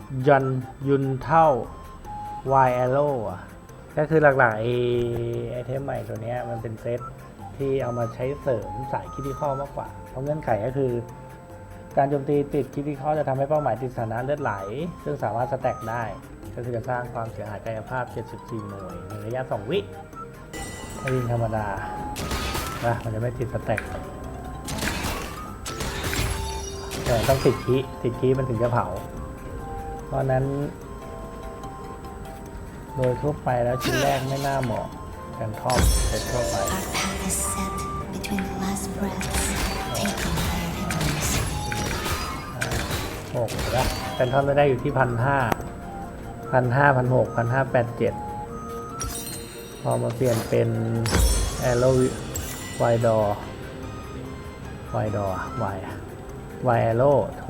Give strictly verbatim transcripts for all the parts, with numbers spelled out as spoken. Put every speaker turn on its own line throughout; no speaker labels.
ยันยุนเท่า Y Arrow อ่ะก็คือหลักๆไอไอเทมใหม่ตัวนี้มันเป็นเซตที่เอามาใช้เสริมสายคิดที่ข้อมากกว่าเพราะเงื่อนไขก็คือการโจมตีติดคิดที่ข้อจะทำให้เป้าหมายติดสถานะเลือดไหลซึ่งสามารถสแต็กได้ก็คือจะสร้างความเสียหายกายภาพเจ็ดสิบสี่หน่วยในระยะสองวิถ้ายิงธรรมดานะมันจะไม่ติดสแต็กแต่ต้องติดคีติดคีมันถึงจะเผาเพราะนั้นโดยทั่วไปแล้วชิ้นแรกไม่น่าเหมาะกันทอปเซตทั่วไปหกแล้วแฟนทอมไม่ได้อยู่ที่พันห้าพันห้าพันหกพันห้าแปดเจ็ดพอมาเปลี่ยนเป็นแอโรไวดอไวดอไวไวแอโรโถ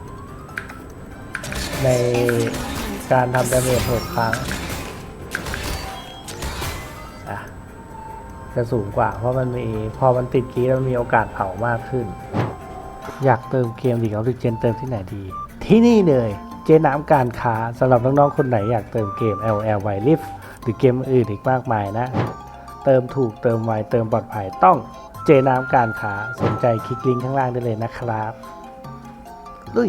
ในการทำดาเมจหกครั้งอ่ะจะสูงกว่าเพราะมันมีพอมันติดกี้แล้วมันมีโอกาสเผามากขึ้นอยากเติมเกมดีออกซิเจนเติมที่ไหนดีที่นี่เลยเจ๊น้ำการค้าสำหรับน้องๆคนไหนอยากเติมเกม แอล แอล Wild Rift หรือเกมอื่นอีกมากมายนะเติมถูกเติมไวเติมปลอดภัยต้องเจ๊น้ำการค้าสนใจคลิกลิงก์ข้างล่างได้เลยนะครับลุย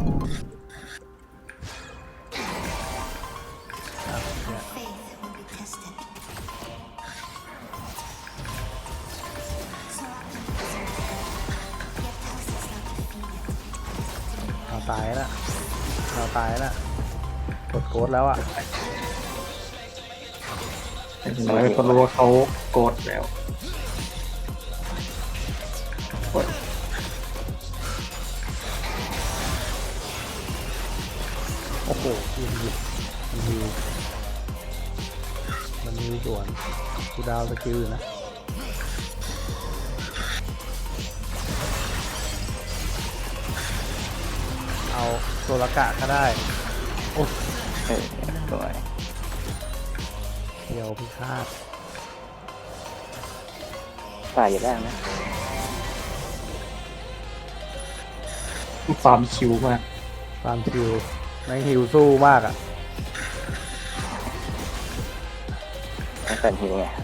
เราตายแล้วเราตายแล้วกดโกดแล้วอ่ะ
น้อยคนรู้ว่าเขาโกรธแล้ว
โอ้โหยิงยิงยิงมันมีสวนกูดาวสกิลอยู่นะเอาโซลกะก็ได้โอ้
เออสวย
เดียวพิฆาต
ตายอยู่แล้วนะความคิวมาก
ความคิวแม่งฮิวสู้มากอ่ะ
ต้องการฮิวไง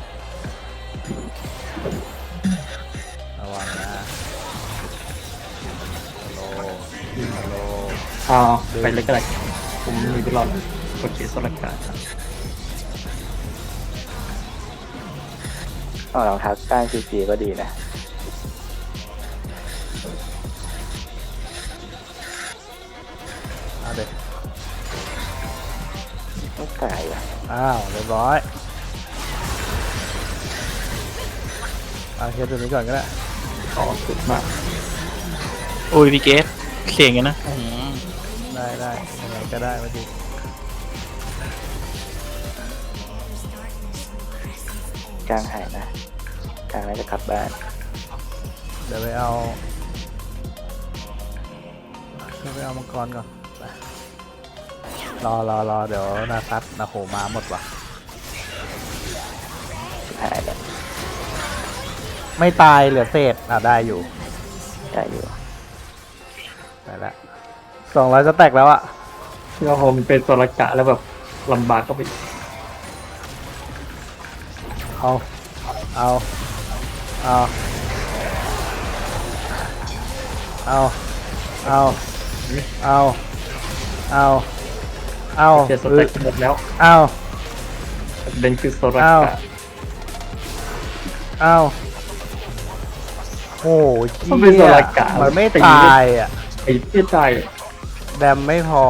ระวังนะฮัลโหลฮัลโหล
อ๋อไปเลยก็ได้ผมมีตลอดกดเขียนสลักการอ๋อรองเท้าก้านซีจีก็ดีนะ
เอาเด็ก
ต้องไก่อ่ะ
อ้าวเรียบร้อยเอาเคสตัวนี้ก่อนก็ได้
อ๋อสุดมาก
โอ้ยพี่เกสเสียงกันนะ
ได้ได้ยังไงก็ได้มาดิ
กลางหายนะกลางน่าจะกลับบ้าน
เดี๋ยวไปเอาเดี๋ยวไปเอามังกรก่อนรอรอรอเดี๋ยวนาซัดนาโหมาหมดว่ะ
หายแล้ว
ไม่ตายเหลือเศษอ่ะได้อยู่
ได้อยู่
ได้แล้วสองร้อยจะแตกแล้วอ่ะ
เราโฮมเป็นตัวละกะแล้วแบบลำบากก็ไป
เอาเอาเอาเอาเอาเอาเอาเอา
เสียสเต็กหมดแล้ว
เอา
เดนคือโซลาร์
เอาโอ้ย
มันเป็นโซลาร์กะ
มันไม่ตายอ่ะ
ไอ้ที่ตาย
แดมไม่พอ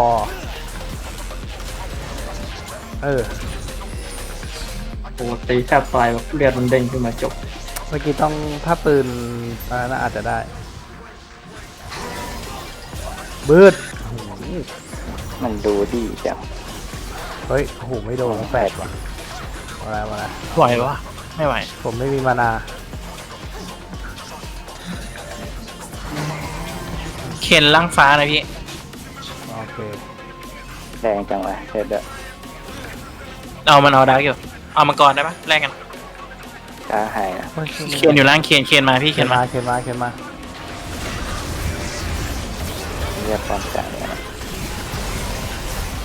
เออ
โอ้ตีแทบตายแบบเลือดมันเด้งขึ้นมาจบ
เมื่อกี้ต้องถ้าปืนน่าอาจจะได้บืด
มันดูดีจัง
เฮ้ยโอ้โหไม่โดนแปดว่ะอะไรมาละ
ไหวปะไม่ไหว
ผมไม่มีมานา
เข็นล่างฟ้านะพี่
โอเค
แดงจังวะเด็ดเด้อ
เอามันเอาดาร์กอยู่เอามังกรได้ปะแลกกัน
กลางหายนะ
เขียนอยู่ล่างเขียนเขียนมาพี่เขียนมา
เขียนมาเขียนมา
เรียกความจ่ายเนี่ย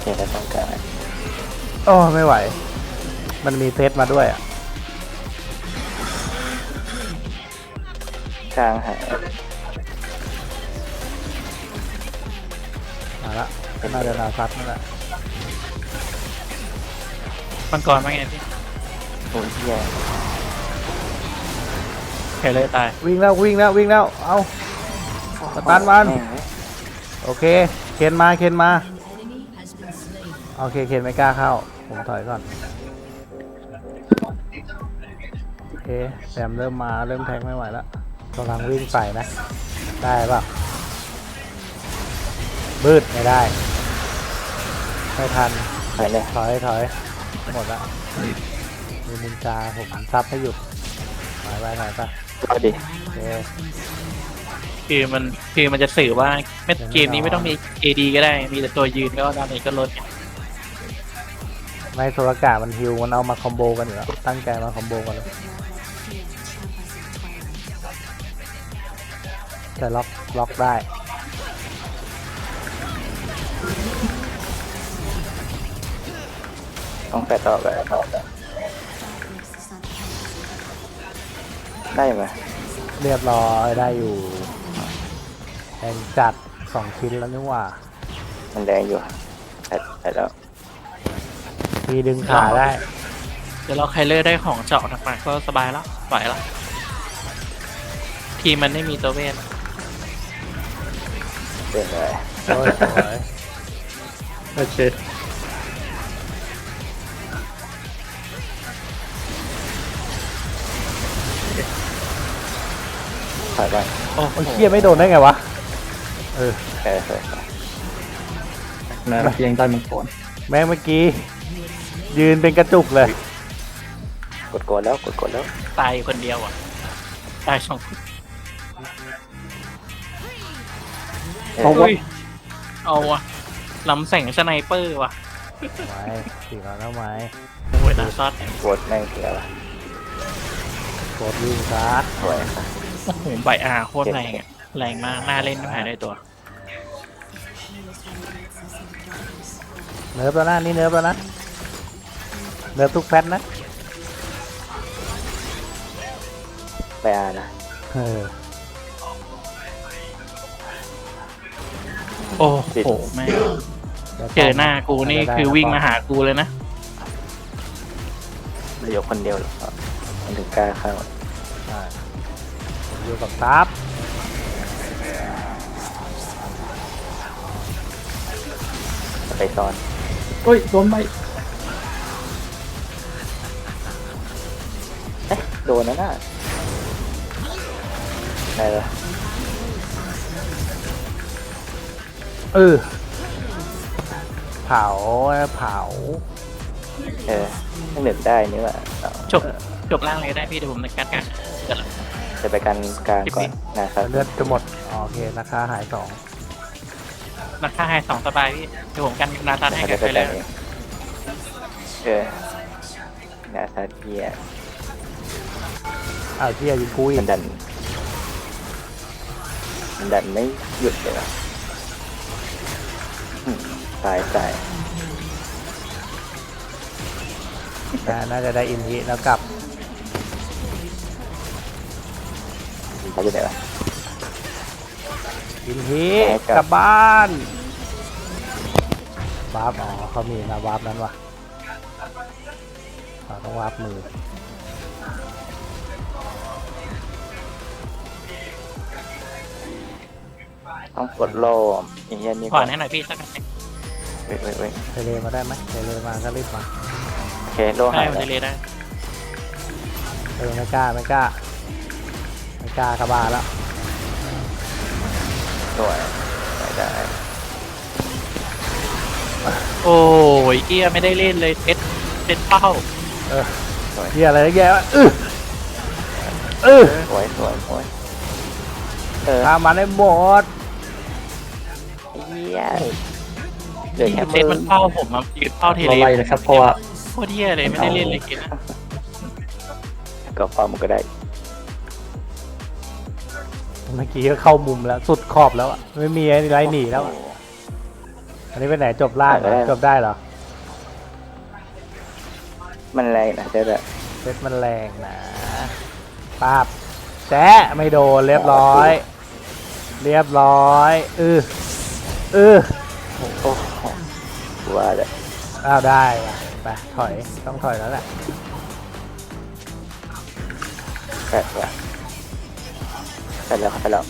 เจอแล้วต้องการ
โอ้ไม่ไหว มันมีเซตมาด้วยอ่ะ
กลางหาย
มาละน่าจะนาซัดนั่นแหละ
มังกรมาไงพี่
โอ้ยเฮีย
เคเลยตาย
วิ่งแล้ววิ่งแล้ววิ่งแล้วเอาสตันมัน
แม่งเว้ย
โอเคเคนมาเคนมาโอเคเคนไม่กล้าเข้าผมถอยก่อนโอเคแซมเริ่มมาเริ่มแทงไม่ไหวแล้วกำลังวิ่งใส่นะได้ป่ะบืดไม่ได้ไม่ทัน
ไปเลย
ถอยถอยหมดละมีนินจาผมซับให้อยู่หายไปหายไป
เอาดิ
โอเค
คือมันคือมันจะสื่อว่าเม็ดเกมนี้ไม่ต้องมี เอ ดี ก็ได้ มีแต่ตัวยืนก็ดาเมจก็ลดไง
ไม่โซลกามันฮิวมันเอามาคอมโบกันอยู่แล้วตั้งใจมาคอมโบกันเลยจะล็อกล็อกได้
ต้องแปดต่อไปได้ไหม
เรียบร้อยได้อยู่แองจัดสองชิ้นแล้วนี่หว่า
มันแดงอยู่แปดแปดแล้ว
มีดึงขาได้
เดี๋ยวเราไคเลอร์ได้ของเจาะหนักๆก็สบายแล้วไหวแล้วทีมมันไม่มีตัวเวท
เปลี่ยนเลย
โอ้ยสวย
โอเค
ถอยไป
โอ้
โอ้ยเคียไม่โดนได้ไงวะเออ
เออเออ
นะเพียงใต้มังกร
แม่งเมื่อกี้ยืนเป็นกระจุกเลย
กดกดแล้วกดกดแล้ว
ตายคนเดียวอ่ะตายสองคน
เออ
เอาวะ
อุ้ยเอาวะลำแสงสไนเปอร์ว่ะ
ไม่สี่ร้อยแล้วไหม
โอ้ยนาซอด
กดแม่งเสียละ
กดวิ่งซัด
สวยครับ
โอ้โหใบอาโคตรแรงอ่ะแรงมากน่าเล่นไม่หายได้ตัว
เนิร์ฟแล้วนะนี่เนิร์ฟแล้วนะเนิร์ฟทุกแพทนะ
ไปอานะ
เออ
โอ้โหแม่งเจอหน้ากูนี่คือวิ่งมาหากูเลยนะ
เหลือคนเดียวหรอมันถึงกล้าเข้า
ใช่ผมอยู่กับซับ
ไปซ้อน
โอ้ยโดนไป
เอ๊ะโดนนะน่ะได้เลย
เออเผาเผา
เออต้องเหลือได้นี่ว่ะเอา
จบจบล่างเลยก็ได้พี่เดี๋ยวผมในการกันเดี๋ยวละ
จะไปกันกลางก่อนนะครับ
เลือดจะหมดอ๋อโอเคราคาหายสอง
ราคาให้สองสบายพี่เดี๋ยวผมกันนาซาให้
เขา
กั
จะ
น
ไป
ไปเล
กั
ย
นเองเออนาซาเทีย
อ้าวเที่ยยิงกูอี
มั
ก
นดันมันดันไม่หยุดเลยว่ะอืมตายตาย
น่าน่าจะได้อินทิแล้วกลับ
เขาจะไหนวะ
อินทิ
แหม่กลับ
กลับบ้านวาร์ปอ๋อเขามีนะวาร์ปนั้นว่ะเราต้องวาร์ปมือ
ต้องกดโล่อย่างเงี้ยนี่
ขวานให้หน่อยพี่สักหน่อย
เว้ยเว้ยเว้ย
เทเลมาได้ไหมเทเลมาก็รีบมา
โอเคโล่
ได้
หาย
ผม
แล้ว
จะเลยได้
เออไม่กล้าไม่กล้าไม่กล้ากระบาลแล้ว
สวยได้
โอ้ยเกียไม่ได้เล่นเลยเซ็ตเซ็ตเป้า
เออเฮียอะไรแย่วะเออเออ
สวยสวยสวยเออ
ตามมาได้หมด
เฮียเหลือ
ที่
แค่
เซ็
มื
ต
อ
มันเป้าผมมายืนเป้าเท
เรา
เล
ไล่เลยครับเพราะว่า
โคตรเที่ยเลยไม่ได้เล่นเลยกินนะ
ก็ความมันก็ได้
เมื่อกี้ก็เข้ามุมแล้วสุดขอบแล้วอะไม่มีอะไรหนีแล้วอะอันนี้ไปไหนจบล่างเหรอ
ได้
จบได้เหรอ
มันแรงนะเจ๊อะ
เซตมันแรงนะปาบแจ๊ะไม่โดนเรียบร้อย เรียบร้อยอืออือ
โอ้โหว่าเลย
อ้าวได้ว่ะไปถอยต้องถอยแล้วแหละ
แค่ว่าไปแล้วไปแล้ว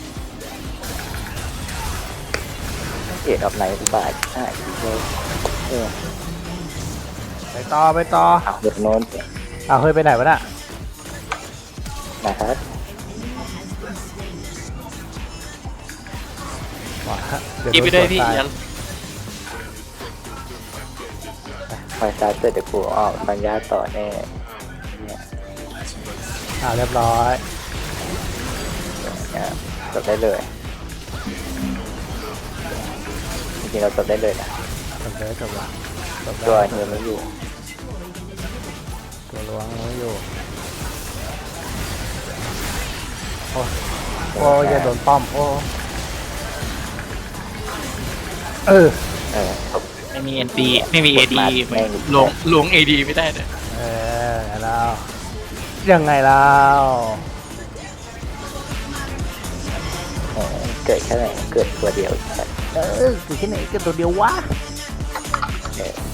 เอ็ดออกไหนอุบายใช่เลยเออ
ไปต่อไปต่อ
เอาเด็กโน้น
อ้าวเฮ้ยไปไหนวะน่ะ
นะครับ
ว้าเดี๋ยว
กีบไปด้วยพี่
โน
อย่า
คอยซาเตอร์เดี๋ยวกูออกปัญญาต่อแน่เนี่ย
อ้าวเรียบร้อย
เนี่ยจบได้เลยจริงๆเราจบได้เลยนะ
จบเลยจบละจบ
ตัว
แล้ว
เฮียไม่อยู่
ตัวล้วงไม่อยู่โอ้โอ้อย่าโดนป้อมโอ้เออ
เออจบ
ไม่มีเอ็นดีไม่มีเอดี
แม่ง
ลงลงเอดีไม่ได้เลย
เออแล้วยังไงแล้ว
เออเกิดแค่ไหนเกิดตัวเดียวแต่
เออคือแค่ไหนก็ตัวเดียววะ
เออ